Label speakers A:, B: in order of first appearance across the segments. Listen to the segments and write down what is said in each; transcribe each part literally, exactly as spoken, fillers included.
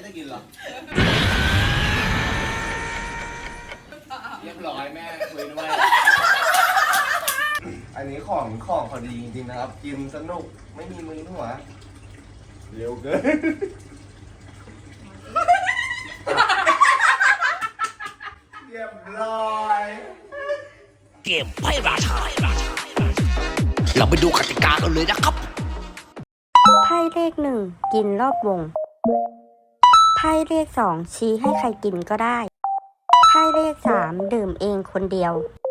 A: ได้กินหรอเรียบร้อยแม่คุยด้วยอันนี้ของของเขาดีจริงๆนะครับกินสนุกไม่มีมึนหัวเร็วเกินเรียบร้อย
B: เกมไพ่ราชาเราไปดูกติกากันเลยนะครับ
C: ไพ่เลขหนึ่งกินรอบวงไพ่เลขสองชี้ให้ใครกินก็ได้ไพ่เลขสามดื่มเองคนเดียว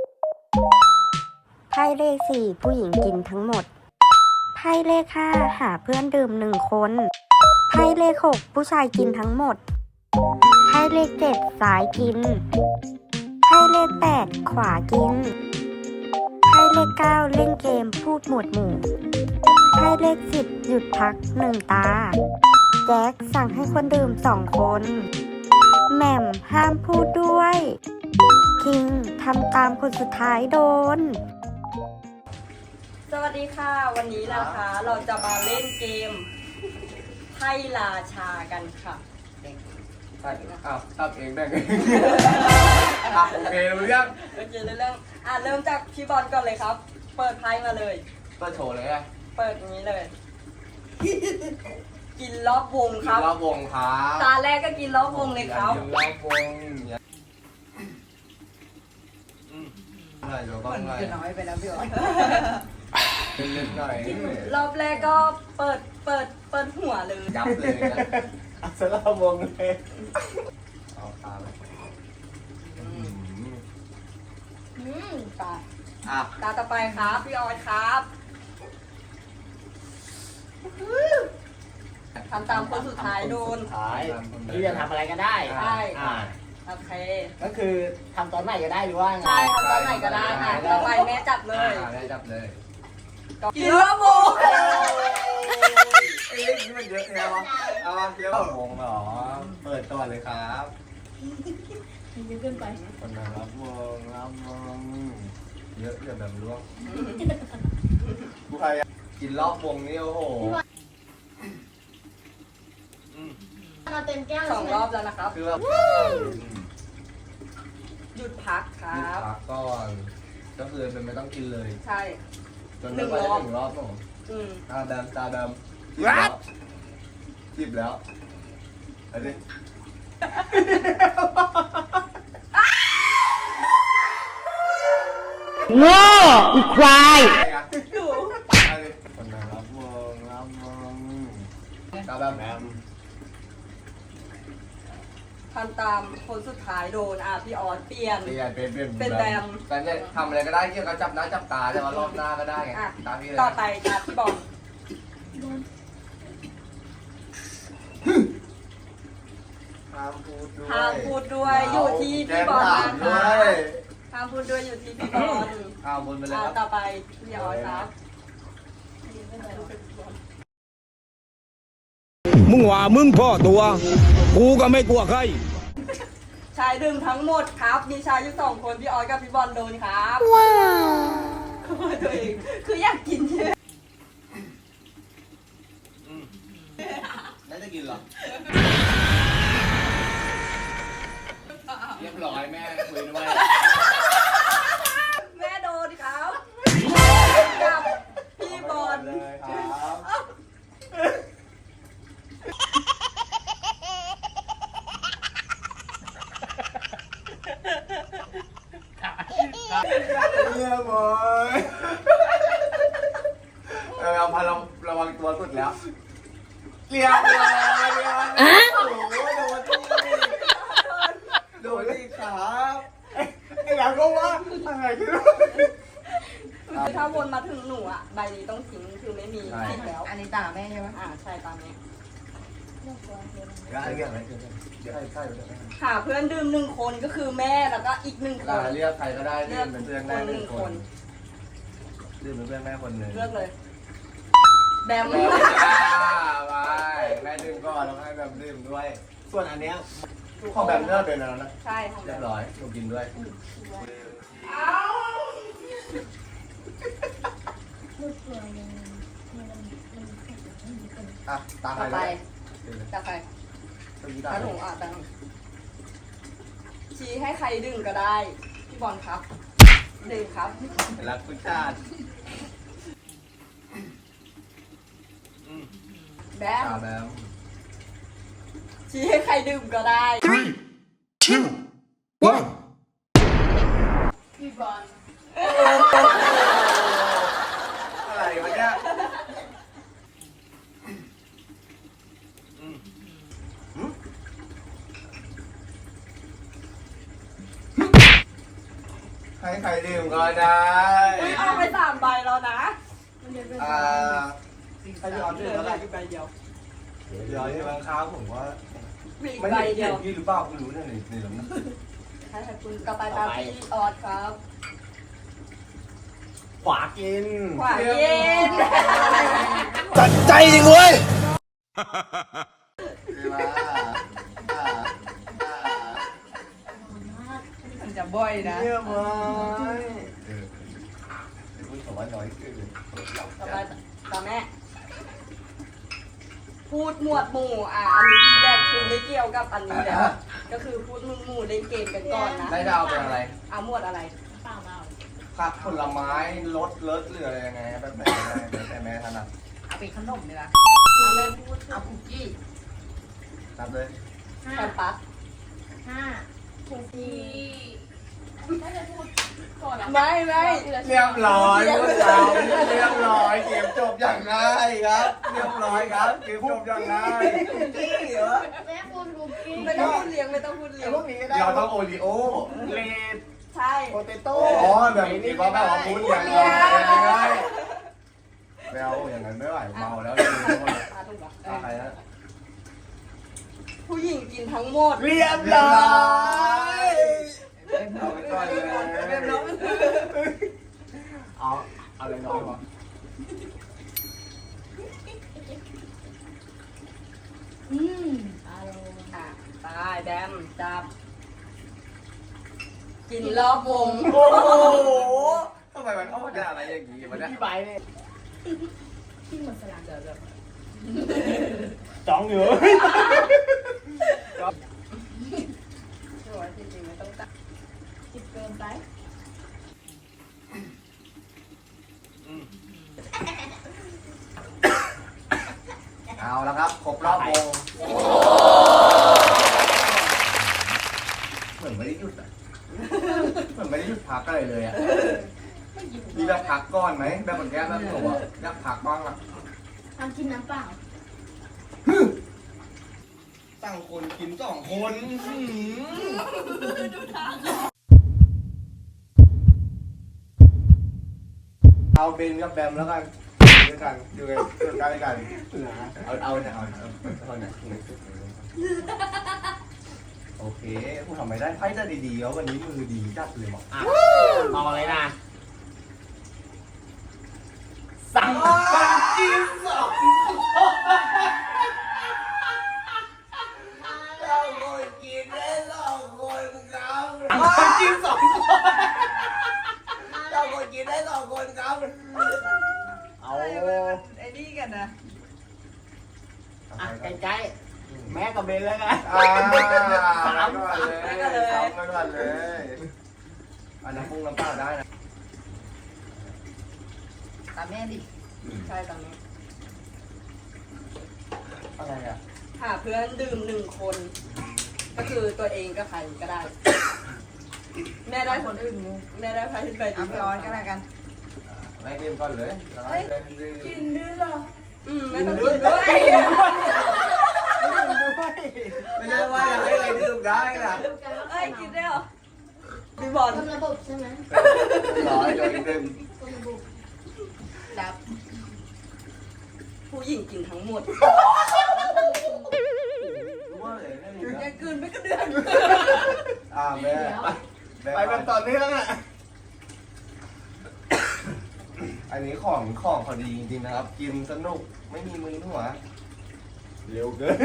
C: ไพ่เลขสี่ผู้หญิงกินทั้งหมดไพ่เลขห้าหาเพื่อนดื่มหนึ่งคนไพ่เลขหกผู้ชายกินทั้งหมดไพ่เลขเจ็ดซ้ายกินไพ่เลขแปดขวากินไพ่เลขเก้าเล่นเกมพูดหมวดหมู่ไพ่เลขสิบหยุดพักหนึ่งตาแจ็คสั่งให้คนดื่มสองคนแหม่มห้ามพูดด้วยคิงทำตามคนสุดท้ายโดน
D: สวัสดีค่ะวันนี้นะคะเราจะมาเล่นเกมไพ่ราชากันค่ะ
A: ใช่อ้าวทำเองได้ไงอ่ะโอเครู้ยัง
D: โอเคเรื่องอ่ะเริ่มจากพี่บอลก่อนเลยครับ เปิดไพ่มาเลย
A: เปิดโชว์เลยอ่ะ
D: เปิดอย่างนี้เลยกินรอบวงครับ
A: รอบวงครับ
D: ตาแรกก็กินรอบวงเลยครับ
A: กินรอบวงอืมหน่อยเดี๋ยวก็หน่อย
D: น้อยไปแล้วพี่บอล
A: เป็นเล็กหน่อย
D: รอบแรกก็เปิดเปิดเปิดหัวเลย
A: ยับเลยนะอัศรวงเลยเอาตาไปอื
D: มตา
A: อ่ะ
D: ตาต่อไปครับพี่ออยครับทำตามคนสุดท้ายโดน
E: ท้ายที่จะทำอะไรก็ได้
D: ใช่โอเค
E: ก็คือทำตอนไหนก็ได้หรือว่าไง
D: ใช่ทำตอนไหนก็ได้ค่ะต่อไปแม่จับเลย
A: แม่จับเลย
D: กินรอบวง
A: เอ้ยนี่มันเยอะแล้วเอามาเยอะวงเหรอเปิดก่อนเลยครับ
D: เยอะเกินไป
A: คนไหนรับวงรับวงเยอะอย่าแบบล้วงผู้ใครกินรอบวงนี่โอ้โห
D: เราเต็มแก้วสองรอบแล้วนะครับ
A: คือแบบ
D: หยุดพักครับ
A: หยุดพักก่อนก็คือเป็นไม่ต้องกินเลย
D: ใช่
A: จนไม่ไปถึงรอบหนูตาดำตาดำ
E: รัด
A: จีบแล้วเอาดิ
E: โง่อีควาย
D: ดู
A: เอาดิคนไหนรับวงรับวงตาดำแอม
D: ทำตามคนสุดท้ายโดนอ่ะพี่ออสเปลี่ยน
A: เปลี่ยนเป็นเป็น
D: เป็นแบม
A: แต่เนี่ยทำอะไรก็ได้เกี่ยวกับจับหน้าจับตาแต่ว่ารอบหน้าก็ได้ไงตามพี่เลย
D: ต่อไปครับพี่บอล
A: ห้ามพูดด้วย
D: ห้ามพูดด้วยอยู่ที่พี่บอลนะคะห้ามพูดด้วยอยู่ที่พี่บอล
A: ห้ามพูดไปเลยครับ
D: ต่อไปพี่ออสครับ
B: มึงว่ามึงพ่อตัวกูก็ไม่กลัวใคร
D: ชายดื่มทั้งหมดครับมีชายอยู่สองคนพี่ออสกับพี่บอลโดนครับว้าวตัวเองคืออยากกินใช่ไหม
A: ได้จะกินหรอเรียบร้อยแม่คุยด้วย
D: แม่โดนครับกับพี่บอล
A: เลยครับเยี่ยมเลยเออเอาพาระระวังตัวสุดแล้วเรียบร้อยเรียบร้อยโอ้โหโดนที่โดนที่ครับไอ้หลังก็ว่าอะไรขึ้น
D: คือถ้าวนมาถึงหนูอ่ะใบนี้ต้องทิ้งคือไม่มีผิดแล้ว
E: อันนี้ตาแม่ใช่ไหม
D: อ่าใช่ตามนี้
A: เรียกอะไรเดี๋ยวให้ใช่
D: หาเพื่อนดื่มหนึ่งคนก็คือแม่แล้วก็อีกหนึ่งคน
A: เรียกใครก็ได้เรียกเป็นเพื่อนแม่หนึ่งคนดื่มเป็นเพื่อนแม่คนหนึ่ง
D: เลือกเลยแบม
A: ไปแม่ดื่มก่อนแล้วให้แบบดื่มด้วยส่วนอันเนี้ยของแบบเลือกเป็นอะไรนะ
D: ใช่
A: เรียบร้อยหนูกินด้วยอ่ะตาใคร
D: ไปตาใคร
A: ตัวนี้
D: ตา
A: ได้
D: หงอ่ะตาหงชี้ให้ใครดึงก็ได้ พี่บอลครับดึงครับ
A: รักผู้ชาติ
D: แบม
A: ตาแบม
D: ชี้ให้ใครดื่มก็ได้
B: three two one
D: พี่บอล
A: อะไรวะเนี่ยให้ใครดื่มก็ได้
D: อุ๊ยเอาไปสามใบแล้วนะ
A: อ่า
D: ใครจะเอาดื่มแล้วใบเดียว
A: เดี๋ยวที่บางครั้งผมว่า
D: มีอีก
A: ไม่
D: ใบ
A: ได้
D: เดี
A: เห็
D: ย
A: น
D: ว
A: พี่หรือเปล่าไม่รู้เนี่ยในในหลังนั้น
D: ให้ใครคุณกระต่ายตามพี่ออสครับ
E: ขวากิน
D: ขวาเย็น
B: จัดใจจริงเว้ย
A: เวลาอ่าอ่า
D: มันจะบ่อยนะ
A: เยี่ยมเลยเออพูดคำว่าน้อยคือ
D: ต่อไปตามแม่ พูดหมวดหมู่อ่ะ อันนี้ที่แรกคือไม่เกี่ยวกับอันนี้แล้ว ก็คือพูดหมู่หมู่เล่นเกมกันก่อนนะ
A: ได้ดาวเป็นอะไร
D: เอาหมวดอะไร
A: ผักผลไม้รสเลิศหรืออะไรยังไงแบบไหนแบบไหนแม่ถนัด
D: เอาเป็นขนมเลยนะเอาเล่นพูดเอาคุกกี้
A: นับเลย
D: แคมปัส
F: ห้าคุกกี้
D: ไม่ไม่
A: เรียบร้อยพวกเราเรียบร้อยเกมจบอย่างง่ายครับ เรียบร้อยครับเกมจบอย่างง่ายกี้เหรอ
F: แม่คุณคุกกี้
D: ไม่ต้องพูดเลี้ยงไม่ต้องพูดเลี้ยง
E: พวกนี้ก็ได้
A: เราต้องโอริโอ
E: เลด
D: ใช่
E: โปเตโต้
A: อ๋อแบบนี้เพราะแบบว่าพูดอย่างง่ายไม่เอาอย่างนั้นไม่ไหวเมาแล้วเลยทุกคน
D: ตาถูกปะ
A: ตาใครนะ
D: ผู้หญิงกินทั้งหมด
E: เรียบ
A: เรียบ
E: ร้
A: ร้
E: อ
A: อย ยเอาไปก่อนเลย
E: เอาเอาอะไรน้อยวะ
F: อืมอารมณ์
D: อ่ะตายแดมจับ กินรอบวง
A: โอ้โหทำไมมันออกได้อะไรอย่างนี้มันเนี่ย
E: พี่ใบเนี่ย
F: ที่เหมือนสลัง
D: เดี๋ยวเดี๋ยว
E: จ้องอยู่
D: ช่วยจริงๆไม่ต้องจับ
F: จิบเกินไป
A: เอาละครับครบรอบวงเหมือนไม่ได้หยุดอ่ะเหมือนไม่ได้หยุดพักอะไรเลยอ่ะมีแบบพักก่อนไหมแบบเหมือนแก้แบบหนูอ่ะอยากพักบ้างอ่ะ
F: ทำกินน้ำเปล่า
A: ตั้งคนกินสองคน เอาเบนกับแบมแล้วกันด้วยกันอยู่กันอยู่กันด้วยกันเอาเอาเนี่ยเอาเอาเอาเนี่ยโอเคพูดทำไม่ได้ไพ่จะดีๆแล้ววันนี้มือดีจัดเลยหมอ
E: อ่ะมองอะไรนะสั่งคนกินสอง
A: เราคนกินได้สองคนครับ
E: คนกินสองคน
A: เราคนกินได้สองคนครับ
E: เอา
D: ไอ้นี่กันนะ
E: อ่ะใกล้ๆแม่กับเบนแล้วกัน
A: อ่าสามก่อนเลยสามก่อนเลยอันน้ำพุงน้ำเปล่าได้นะ
D: ตามแม่ดิ ใช่ตามแม่
A: อะไรอ่ะ
D: หาเพื่อนดื่มหนึ่งคน ก็คือตัวเองก็ใครก็ได้ แม่ได้คนอื่นแม่ได้ใครไปดื่มร้อนก็แล้วกัน
A: แม่กินก่อนเลยแล้วให้เล่นดื้อ
F: กินด้วยเหรอ
D: อืมไม่ต้องกินด้วย
A: ไม่ใช่ว่าอยากให้อะไรดื่มได้นะ
D: เอ้ยกินได้เหรอพี่บอล
F: ต้นระบบใช่ไหม
A: ร้อยโดยดื่ม
F: ต้นระบบ
D: ดับ ผู้หญิงกินทั้งหมด
A: รู้ว่าเลยไม่มี
D: แก
A: นะ
D: กินไม่กระเดือน
A: อ่าแม่แม่
E: ไปแบบต่อเนื่องอ่ะ
A: อันนี้ของของพอดีจริงๆนะครับ กินสนุกไม่มีมือหัวเร็วเกิน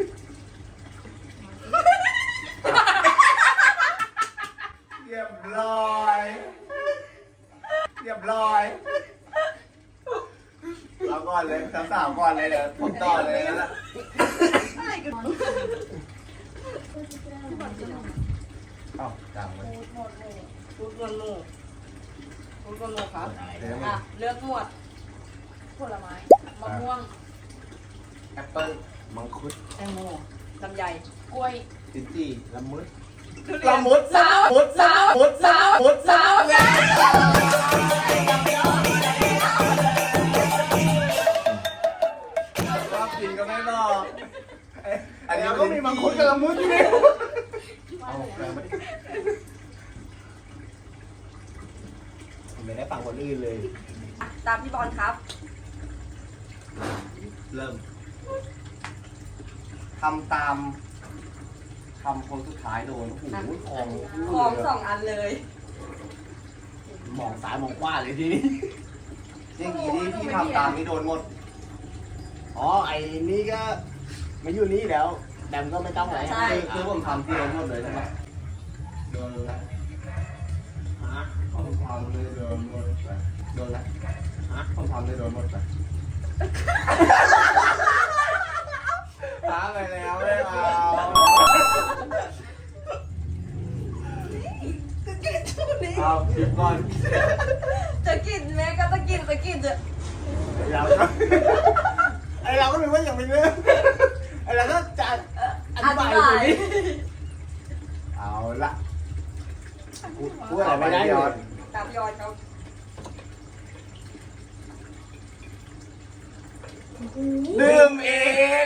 A: เรียบร้อยเรียบร้อยเอาก่อนเลยสาวๆก่อนเลยเดี๋ยวผมต่อเลยนะ
D: อะไรกันพี่บอลกินเหรอ
A: เอ้าจังเลย
D: ฟูดเงินหมูฟูดเงินหมูครับ
A: เดี๋ยว
D: อ่ะเลือกหมวด
F: ผลไม้มะม่วง
A: แอปเปิ้ลมังคุด
D: แตงโมลำไย
F: กล้วย
A: ลิ้นจี่ละมุด
D: ทุเรียน
A: ละมุดสาวมุดสาวมุดสาวมุดสาวชอบกินก็ไม่บอกอันนี้ก็มีมังคุดกับละมุดอยู่นี่เอาแรงมาดิไม่ได้ฟังคนอื่นเลย
D: ตามพี่บอลครับ
A: เริ่มทำตามคำคนสุดท้ายโดนโอ้โหคอง
D: ของสองอันเลย
A: มองซ้ายมองขวาเลยทีนี้อย่างนี้ที่พี่ทำตามนี่โดนหมด
E: อ๋อไอ้นี่ก็ไม่อยู่นี่แล้วแดมก็ไม่ต้องไหน
D: ใช่
A: คือคือผมทำที่โดนหมดเลยใช่ไหมโดนแล้ว
E: ฮะ
A: ผมทำเลยโดนหมดไปโดนแล้ว
E: ฮะ
A: ผมทำเลยโดนหมดไปท้าไปแล้วไม่เอาเอาคลิปก่อน
D: จะกินแม่ก็จะกินจะกินจะ
E: เราไอเราก็รู้ว่าอย่างเป็นเรื่องไอเราก็จะอธิบายอยู่นี่
A: เอาละพูดอะไรไม่ได้ยอด
D: ตามพี่ออนเขา
A: ดื่มเอง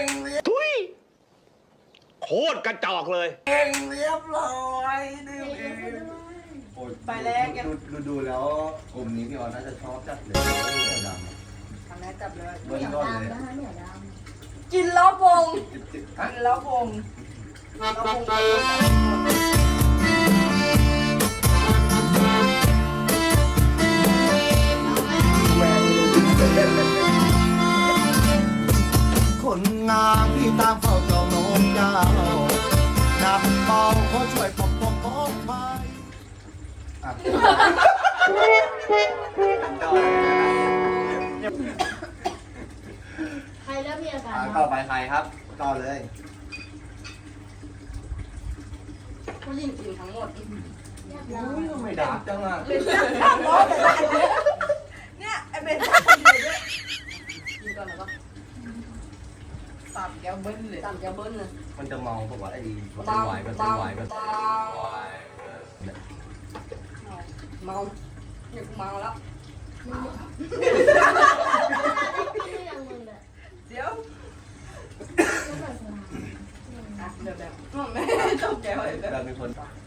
B: โคตรกระจอกเลย
A: เองเรียบร้อยดื่มเองไปแรกดูดูดูแล้วกลุ่มนี้พี่ออนน่าจะชอบจัดเลยเหนียวดำ
D: ทำแม่จับเลย
A: เบิ้ลก้อนเลย
F: นะคะเหนียวด
D: กินรอบวง
A: จิบจิบฮะ
D: กินรอบวงรอบวง
A: คนงามที่ตามเฝ้าเจ้าโน้มเจ้านับเบาขอช่วยปกป้องปกภัยอ่ะ
F: ำใครเริ่มมีอาการ
A: อ่ะ
F: บ้าง
A: ต่อไปใครครับ ต่อเลย
D: ผู้หญิงกินทั้งหมด
F: อยากลอง
A: อุ้ยทำไมดับจังอ่ะ
D: เนี่ยไอเบนจับคนเดียวด้วยกินก่อนแล้วก็
F: สามแก้วเบิ้ลเลย
D: ตามแกเบิ้ลเลย
A: มันจะเมาปะวะไอ้ดี
D: เบา
A: ไหวกัน
D: เบา
A: ไหวกัน
D: เบาเมาเนี่ยกูเมาแล้ว
F: ไม่ยังมึงเลย
D: เดี๋ยว
F: ต้องเปิดสนาม
D: อ่ะเดี๋ยวแบบไม่จบแกวเลยแบบ
A: เราเป็นคน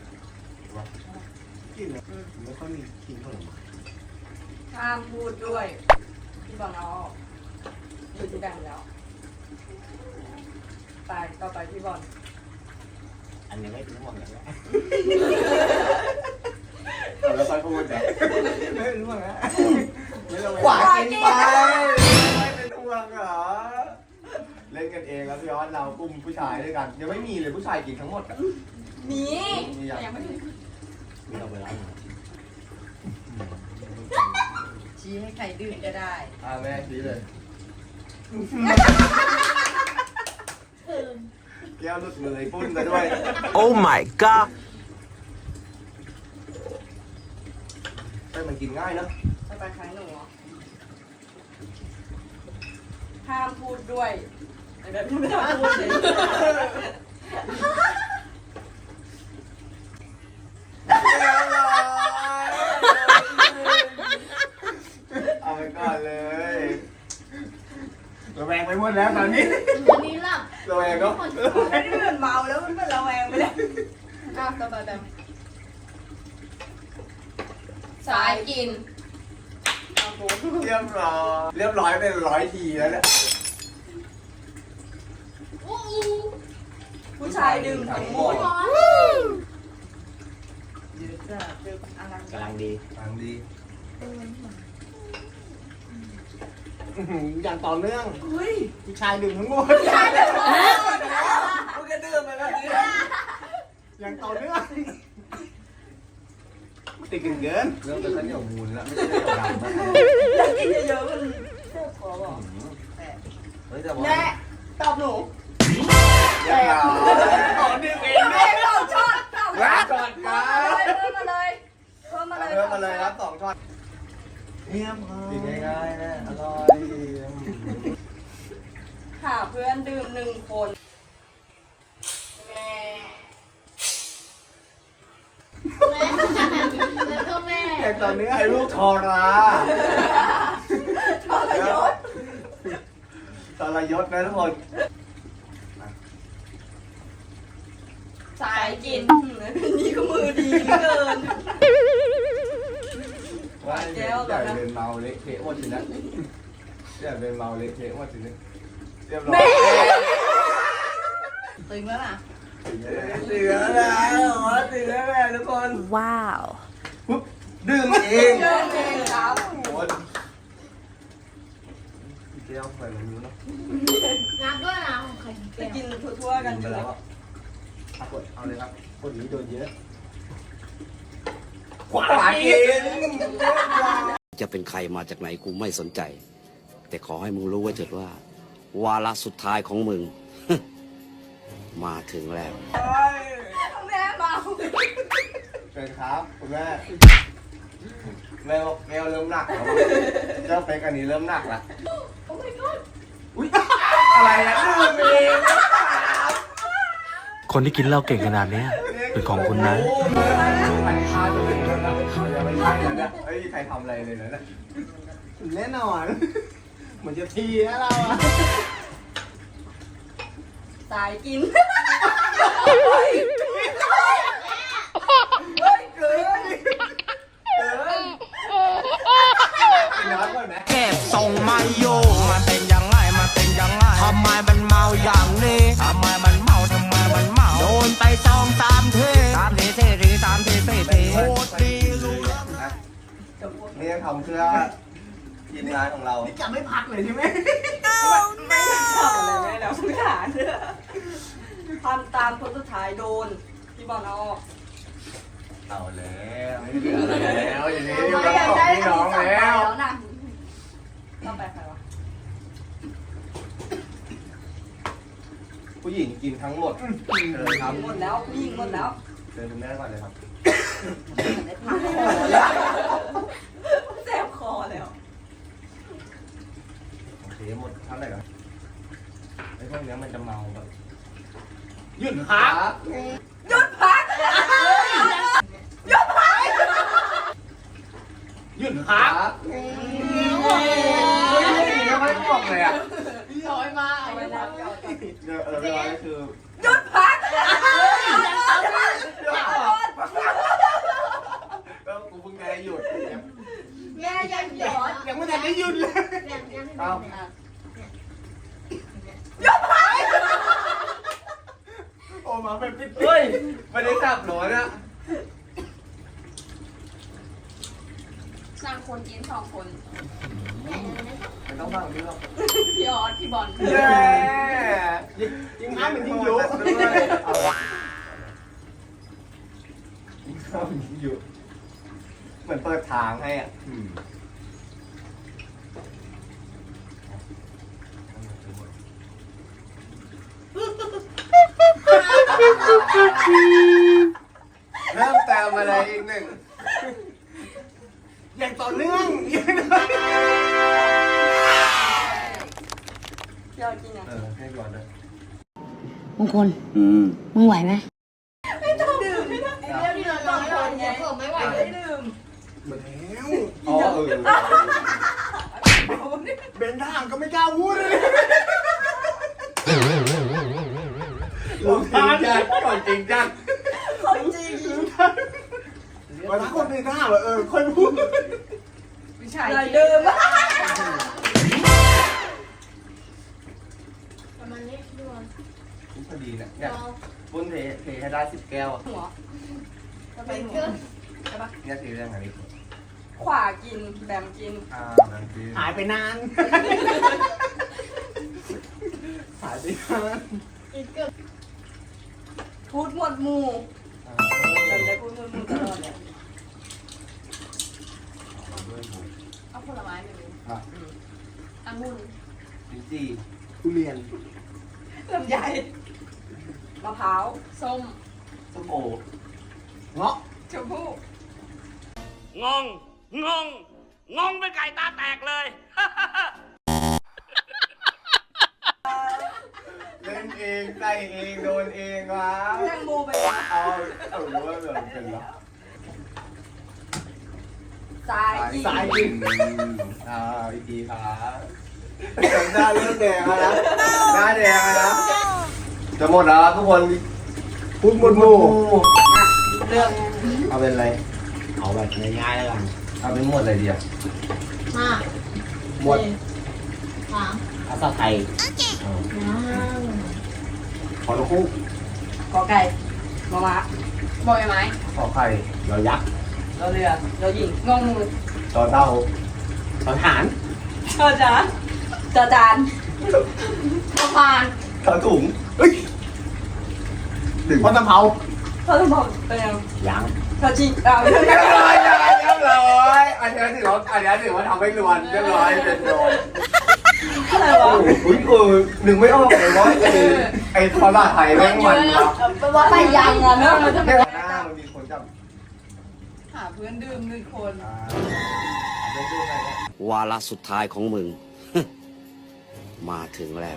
E: กินเลยไม่ค่อยมีกินผลไม้
D: ห้ามพูดด้วยพี่บอลเอาออกอยู่ที่แบ่งแล้วไปต่อไปพี่บอล
E: อันนี้ไม่ถึงห่วงอย่างนี้
A: แล้วค่อยพูดแบบไม่รู้ว่าไงไม่รู้
D: ขวากินไป
A: ไม่เป็นห่วงเหรอเล่นกันเองแล้วพี่ออสเรากลุ่มผู้ชายด้วยกันยังไม่มีเลยผู้ชายกินทั้งหมดอ่ะ
D: นี่
A: มีอย่าง
D: ยังไม่ถึง
E: ไม่เอาไปแล้ว
D: ชี้ให้ใครดื่มก็ได้
A: อ่าแม่ชี้เลย
F: ตื่น
A: แก้วหลุดมือไอ้ปุ้นกันด้วย
B: Oh my god
A: แต่มันกินง่ายเนอะ
D: ต่อไปใครหนูเหรอห้ามพูดด้วยไอ้แบบนี้ไม่ต้องพูดเลย
A: เอาไปก่อนเลยระแวงไปหมดแล้วตอนนี้
F: วันนี้หลับ
A: ระแวงเนาะ
D: ไม่ได้เหมือนเมาแล้วมันเป็นระแวงไปเลยอ้าวต่อไปแบบสายกินเอาโบ
A: เรียบร้อยเรียบร้อยเป็นร้อยทีแล้วเนี่ย
F: อู้
D: ผู้ชายดื่มทั้งหมด
F: ร้อน
D: ยืดจ้ะดื่มอะไร
E: กำลังดี
A: ทางดี
E: อย่างต่อเนื่อง
D: เฮ้ย
E: ผู้ชายดื่มทั้งหมด
D: ใช่เลยมึงก็ดื่มไปแบบนี้
E: อย่างต่อเนื่องติดกันเกิน
A: เริ่มเป็นข้าวเหนียวมูลแล้วไม่ใช่ข้าวเหนียวดำนะ
D: อยากกินเยอะๆมันเจ็บคอบอก
A: เฮ้ยแต่ว่า
D: แม่ตอบหนู
A: เรียบร้อย
E: ขอดื่มเองด้วยเนี่ยพอ
A: กินง่ายๆนะอร่อย
D: หาเพื่อนดื่มหนึ่งคน
F: แม่แล้วก็แม่
E: แต่ตอนนี้
A: ไอ้ลูกทอรา
D: ทรยศ
A: ทรยศนะทุกคน
D: สายกินนี่ก็มือดีเหลือเกิน
A: ว่า
D: แก้วเหร
A: อ
D: อนะ
A: ยากเดินเมาเละเทะหมดสินะอยากเดินเมาเละเทะหมดสินะเรียบร้อย
D: ตึงแล้วนะ
A: เสือแล้วเสือแล้วทุกคน
C: ว้าว
A: ปุ๊บดื่มเอง
D: เดินเองครับ
A: โอ้ยแก้วใส่ลงนิ้วเนาะ
F: นับด้วยนะของใคร
D: ไปกินทั่วๆกัน
A: ไป
D: อยู่
A: แล้
D: แล้ว ว
A: อ่ะเอากดเอาเลยครับ
E: คนนี้โดนเยอะ
A: ขวากิน
B: จะเป็นใครมาจากไหนกูไม่สนใจ แต่ขอให้มึงรู้ไว้เถิดว่า วาระสุดท้ายของมึง มาถึงแล้ว
D: แม่เมา
A: เชิญครับคุณแม่แมวแมวเริ่มหนักแล้วเจ้าเป็กอันนี้เริ่มหนักละ
D: โอ้ my god
A: อุ้ยอะไรอะดื่มเอง
G: คนที่กินเหล้าเก่งขนาดเนี้ย เป็นของคุณนะ
A: โอ้ยใครฆ่าตัวเองแล้วนะยังไม่ใช่แล้วเนี่ยเฮ้ยใครทำอะไรเลยนะเนี่ย
E: แน่นอนเหมือนจะทีนะเราอะ
D: สายกิน
A: กินน้ำก่อนไหม
B: เก็บทรงไม่อยู่มันเป็นยังไง มันเป็นยังไง ทำไมมันเมาอย่างนี้ ทำไมมันเมา ทำไมมันเมา โดนไปสองสามทีสามทีสี่ทีสามทีสี่ทีโคตรดีรู้
A: นะนี่ทำเพื่อทีมงานของเรา
E: นี่จะไม่พักเลยใช่ไหม
D: ไม่ทำอะไรไม่แล้วทุกอย่างทำตามคนสุดท้ายโดนพี่บอลเอาออก
A: เอาแล้วไม่เหลืออะไรแล้วอย่างนี้อยู่กับสองพี่น้องแล้ว
D: นะต้องไปใครวะ
A: ผู้หญิงกินทั้งหมดเลยครับ
D: หมดแล้วผู้หญิงหมดแล้ว
A: เชิญคุณแม่ก่อนเลยครับ
D: ได้พักคอแล้วแสบคอแล้ว
A: โอเคหมดเท่าไหร่ครับไอ้พวกเนี้ยมันจะเมาแบบ
E: หยุดพัก
D: หยุดพักหยุดพัก
E: หยุดพัก
A: เฮ้ยไม่ไม่บอกเลยอ่ะ
E: พี่ย้อยมา
D: เอาไว้แล้ว
A: เออเออเรียบร้อยคือ
D: หยุดพัก
A: ก็กูเพิ่งได้หยุด
F: แม่ยังหยอด
E: ยังไม่ทันได้หยุดเลย
F: ยังยัง
A: เอ้า
E: โอ้มาเป็นปิด
A: เฮ้ยไม่ได้จับหรอเนี่ย
D: สร้างคนกินสองคน
A: มันต้องฟังพี่หรอก
D: พี่ออสพี่บอล
A: เย้
E: ยิงน้ำเหมือนยิงยุ
A: เอาวะยิงเข้ายิงอยู่เหมือนเปิดทางให้อ่ะเริ่มแต้มอะไรอีกหนึ่ง
E: อย่างต่อเนื่อง
D: พี่ออสกินยัง
A: เออให้ก่อนเลย
H: มงคลมึงไหวไหม
D: ไม่ต้องดื่มไม่ต้อง
F: เดี๋ยวที่เราต้องหยอดเนี่ยผมไม่ไหว
D: ไม่ได้ดื่ม
E: หมดแล้ว
A: อ๋อเออ
E: เบนทางก็ไม่กล้าพูดเลย
A: ลงทานจัดก่อนจริงจัง
D: คนจริง
E: วันนั้นคนเป็นทหารว่าเออค่อยพูด
D: พี่ชายดื่ม
F: ประมาณนี้พี่บอล
A: พอดีเนี่ยเนี่ยปุ้นเทเทให้ได้สิบแก้วอ่ะ
D: หัวจะไป
F: เป็น
D: หั
F: เกิ
D: วน ใช่ปะ
A: เนี่ยทีเรื่องอะไร
D: ขวากินแบมกิน
A: อ่านั่นคือ
E: หายไปนานหายไปนาน
F: อีกเกิน
D: พูดหมวดหมู่จำได้พูดหมวดหมู่ตลอดเลยเอาผลไม้ไปดูองุ่น
A: ลิ้นจี่
E: ทุเรียน
D: ลำไยมะพร้าวส้ม
A: ส้มโอ
E: เงาะ
D: ชมพู่
B: งง งงงงเป็นไก่ตาแตกเลย
A: เล่นเองใส่เองโดนเองวะ
D: แตงโมไปนะ
A: เอาเอารู้ว่าเหมือนเป็นเหรอ
D: สายกิน
A: สายกินอ่าอีกทีครับหน้าเริ่มแดงแล้วนะหน้าแดงแล้วนะจะหมดแล้วทุกคนพูดหมดหมู่
D: เลือก
A: เอาเป็นอะไร
E: เอาแบบง่ายๆแล้วกัน
A: เอาเป็นหมดอะไรดีอ่ะ
F: ห้า
A: หมด
F: สาม
E: ภาษาไทย
F: ยัง
A: ขอลูกคู่
D: กอไก่มอม้าบอกไหม
A: ขอไข่
E: เรายักษ์
D: เราเรือเราหญิงงงมือ
A: ต่อเต้า
E: ทหาร
D: เธอจ๋าจอจาน
F: สะพาน
A: ต่อถุงเฮ้ยถึง
E: พ่อตำเภา
D: เธอต้องบอกเป็นยัง
E: ยัง
D: เธอจีเอาเธอ
A: เรียบร้อยเรียบร้อยอันนี้ถือว่าอันนี้ถือว่าทำให้รวนเรียบร้อยเป็นโดน
D: อะไรวะ
A: อุ้ยเออหนึ่งไม่ออกเลยว่าไอ้ไอ้ภาษาไทยแม่งมันวะ
D: แปลว่าไปยังอ่ะเนอะมันจะ
A: แม่งหน้ามันมีคนจับ
D: หาเพื่อนดื่มหนึ่งคน
A: อ่าเล่นดูหน่อยเนี่ยว
B: าระสุดท้ายของมึง มาถึงแล้ว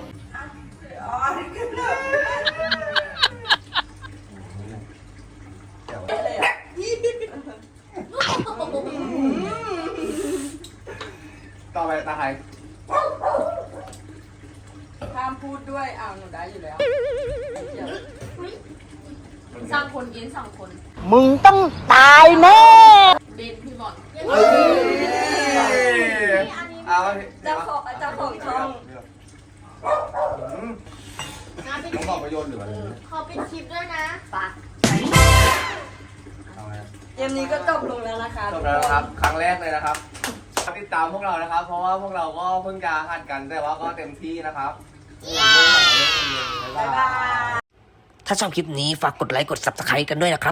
A: ต่อไปตาไทย
D: ห้ามพูดด้วยอ้าวหนูได้อยู่แล้ว
F: สร้างคนเย็นสองคน
H: มึงต้องตายแน่
F: เบนพี่บอล
A: เอ้ยเอา
D: เจ้าของเจ้าของช่อง
A: อืม
F: งานเป็น
A: ต้องบอกประโยชน์หรืออะไร
F: ขอเป็นคลิปด้วยนะ
D: ปะ
A: เอาไง
D: เกมนี้ก็จบลงแล้วนะคะ
A: จบแล้วนะครับ ครั้งแรกเลยนะครับติดตามพวกเรานะครับ เพราะว่าพวกเราก็เพิ่งจะหัดกันแต่ว่าก็เต็มที่นะครับบ๊าย
D: บ๊าย
A: บา
D: บาย ย
B: ถ้าชอบคลิปนี้ฝากกดไลค์กด ซับสไครบ์ กันด้วยนะครับ